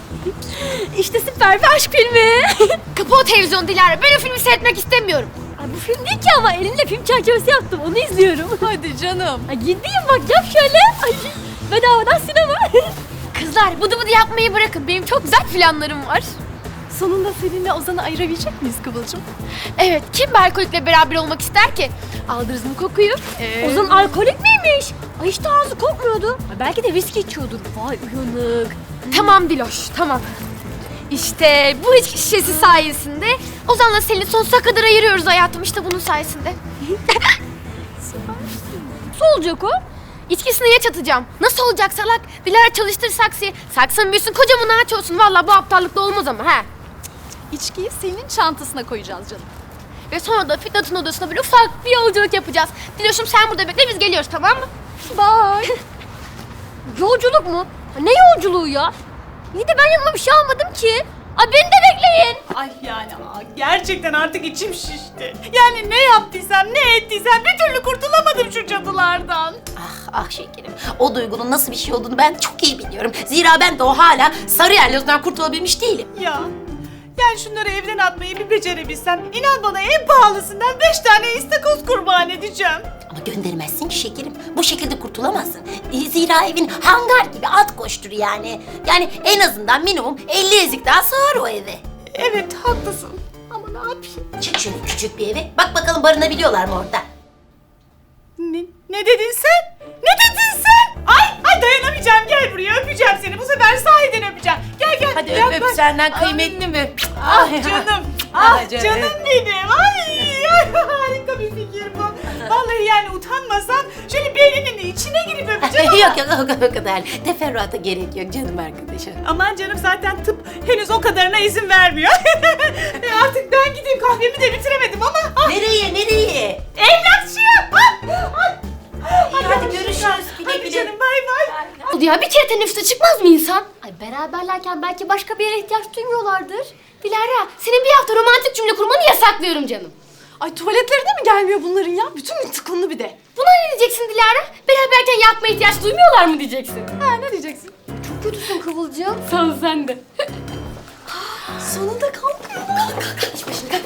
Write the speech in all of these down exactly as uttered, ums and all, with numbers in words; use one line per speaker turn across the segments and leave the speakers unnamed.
İşte süper bir aşk filmi.
Kapı o televizyon Dilara. Ben o filmi seyretmek istemiyorum.
Ay bu film değil ki ama elimle film çerçevesi yaptım. Onu izliyorum.
Hadi canım.
Ay gideyim bak yap şöyle. Ay bedavadan sinema.
Kızlar bıdı bıdı yapmayı bırakın. Benim çok güzel planlarım var.
Sonunda seninle Ozan'ı ayırabilecek miyiz Kıvılcım?
Evet, kim bir alkolikle beraber olmak ister ki? Aldınız mı kokuyu?
Ee...
Ozan alkolik miymiş? Ay hiç de ağzı kokmuyordu. Ay belki de viski içiyordur. Vay uyanık.
Tamam Diloş, tamam. İşte bu içki şişesi sayesinde Ozan'la Selin'i sonsuza kadar ayırıyoruz hayatım. İşte bunun sayesinde.
Nasıl olacak o?
İçkisini ya çatacağım. Nasıl olacak salak? Dilara çalıştır saksıyı. Saksın büyüsün, kocaman ağaç olsun. Vallahi bu aptallıkla olmaz ama ha.
İçkiyi senin çantasına koyacağız canım.
Ve sonra da Fitnat'ın odasına böyle ufak bir yolculuk yapacağız. Diloş'um sen burada bekle, biz geliyoruz, tamam mı?
Bye. Yolculuk mu? Ne yolculuğu ya? İyi de ben yanıma bir şey almadım ki. Ay beni de bekleyin.
Ay yani aa, gerçekten artık içim şişti. Yani ne yaptıysam ne ettiysem bir türlü kurtulamadım şu cadılardan.
Ah ah şekerim. O duygunun nasıl bir şey olduğunu ben çok iyi biliyorum. Zira ben de o hala sarı yerlozdan kurtulabilmiş değilim.
Ya yani şunları evden atmayı bir becerebilsem inan bana en pahalısından beş tane istakoz kurban edeceğim.
Ama göndermezsin ki şekerim. Bu şekilde kurtulamazsın. E, Zira evin hangar gibi at koştur yani. Yani en azından minimum elli ezik daha sığar o eve.
Evet haklısın ama ne yapayım?
Çık şöyle küçük bir eve. Bak bakalım barınabiliyorlar mı orada?
Ne, ne dedin sen? Ne dedin sen? Ay, ay dayanamayacağım, gel buraya öpeceğim seni. Bu sefer sahiden öpeceğim. Gel gel.
Hadi öp
yaklaş.
öp senden kıymetli mi?
Ah canım, ah
Ah canım.
canım benim. Ay, ay harika bir fikir bu. Vallahi yani utanmasam şöyle beyninin içine girip öpeceğim ama.
yok yok o, o kadar. Teferruata gerek yok canım arkadaşım.
Aman canım zaten tıp henüz o kadarına izin vermiyor. e artık ben gideyim, kahvemi de bitiremedim ama. Ah,
Nereye nereye?
evlatçıyım. Ah, ah.
İyi, hadi görüşürüz. Güle
Hadi
güle.
canım bay bay.
Oldu ya, bir kere teneffüse çıkmaz mı insan?
Ay beraberlerken belki başka bir yere ihtiyaç duymuyorlardır.
Dilara, senin bir hafta romantik cümle kurmanı yasaklıyorum canım.
Ay tuvaletlerine mi gelmiyor bunların ya? Bütün gün tıkınlı bir de.
Buna ne diyeceksin Dilara? Beraberken yapmaya ihtiyaç duymuyorlar mı diyeceksin?
Ha ne diyeceksin?
Çok kötüsün Kıvılcım.
Sağ ol, sen de.
Sonunda kalkıyor. Kalk kalk kalk. İç başını kalk.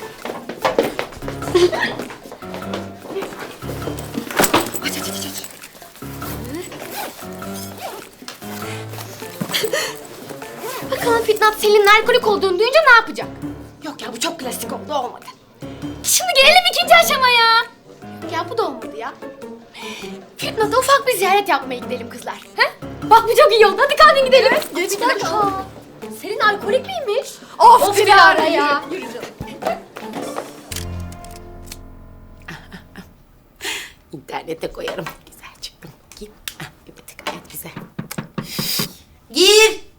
Aç aç aç aç.
Bakalım Fitnat Selin'in alkolik olduğunu duyunca ne yapacak? Yok ya, bu çok klasik oldu, olmadı. Şimdi gelelim ikinci aşamaya. Ya bu da olmadı ya. Fitnat'a ufak bir ziyaret yapmaya gidelim kızlar. He? Bak bu çok iyi oldu, hadi kalkın gidelim.
Geç
Bir dakika. Senin alkolik miymiş?
Of,
Of
Dilara
Dilara ya.
ya. Yürü, yürü canım.
İnternete koyarım. Güzel çıktım. Gir. Ah, evet gayet güzel. Gir.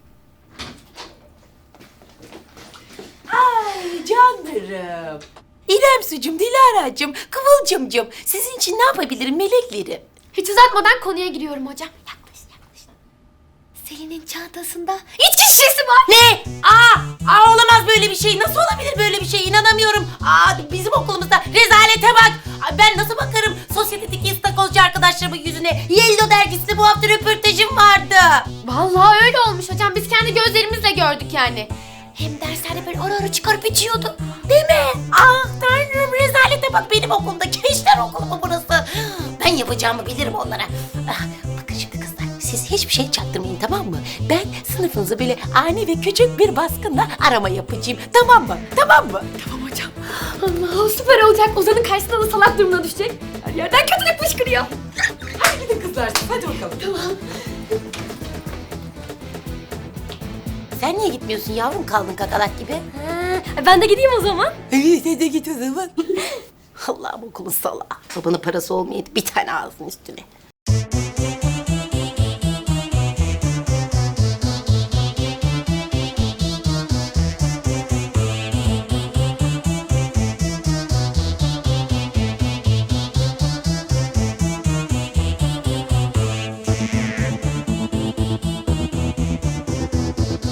Ay canlarım. İrem sucum, Dilara'cığım, Kıvılcımcığım. Sizin için ne yapabilirim meleklerim?
Hiç uzatmadan konuya giriyorum hocam. Yaklaş, yaklaş. Selin'in çantasında içki şişesi var.
Ne? Aa, aa olamaz böyle bir şey. Nasıl olabilir böyle bir şey? İnanamıyorum. Aa bizim okulumuzda rezalete bak. Ay, ben nasıl bakarım sosyetedeki istakozcu arkadaşlarımın yüzüne? Yellow dergisinde bu hafta röportajım vardı.
Vallahi öyle olmuş hocam. Biz kendi gözlerimizle gördük yani. Hem derslerde böyle ara ara çıkarıp içiyordu.
Değil mi? Ah tanrım rezalete bak benim okulumda. Gençler okulu mu burası? Ben yapacağımı bilirim onlara. Ah, bakın şimdi kızlar siz hiçbir şey çaktırmayın tamam mı? Ben sınıfınızı böyle ani ve küçük bir baskınla arama yapacağım. Tamam mı? Tamam mı?
Tamam hocam. Allah süper olacak. Ozan'ın karşısında da salak durumuna düşecek. Her yerden kötülük fışkırıyor.
Hadi gidin kızlar. Hadi bakalım.
Tamam.
Sen niye gitmiyorsun yavrum kaldın kakalak gibi?
Ha, ben de gideyim o zaman.
Sen de git o zaman. Allah'ım okulun salağı. Babanın parası olmayıp bir tane ağzın üstüne.